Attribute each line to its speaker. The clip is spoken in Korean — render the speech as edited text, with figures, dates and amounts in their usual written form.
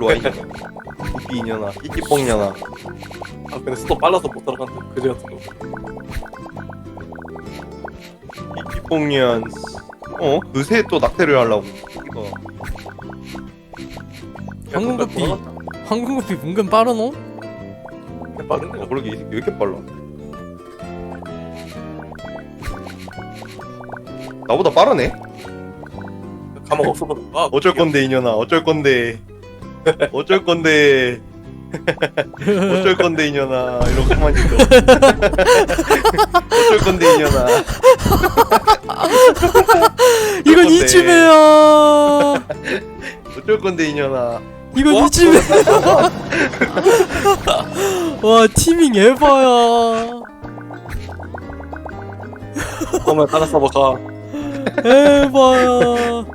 Speaker 1: 일로 와 이년아. 구피 이년아. 끼끼뽕년아.
Speaker 2: 아 근데 스톱 빨라서 못 따라간다. 그지 같은 거.
Speaker 1: 끼끼뽕년. 그새 또 낙태를 하려고. 이거.
Speaker 3: 황금구피 황금구피 은근 빠르노?
Speaker 2: 빠른데.
Speaker 1: 그러게 이 새끼 왜 이렇게 빨라? 나보다 빠르네?
Speaker 2: 가망 없어보다.
Speaker 1: 어쩔 건데 이년아. 어쩔 건데. 어쩔 건데. 어쩔 건데 이년아. 이러고 가만히 있어. 어쩔 건데 이년아.
Speaker 3: 이건
Speaker 1: 건데.
Speaker 3: 이쯤에야.
Speaker 1: 어쩔 건데 이년아.
Speaker 3: 이건
Speaker 1: 뭐?
Speaker 3: 이쯤에. 와 티밍 에바야.
Speaker 2: 그러면 다른 서버 가.
Speaker 3: 에바야.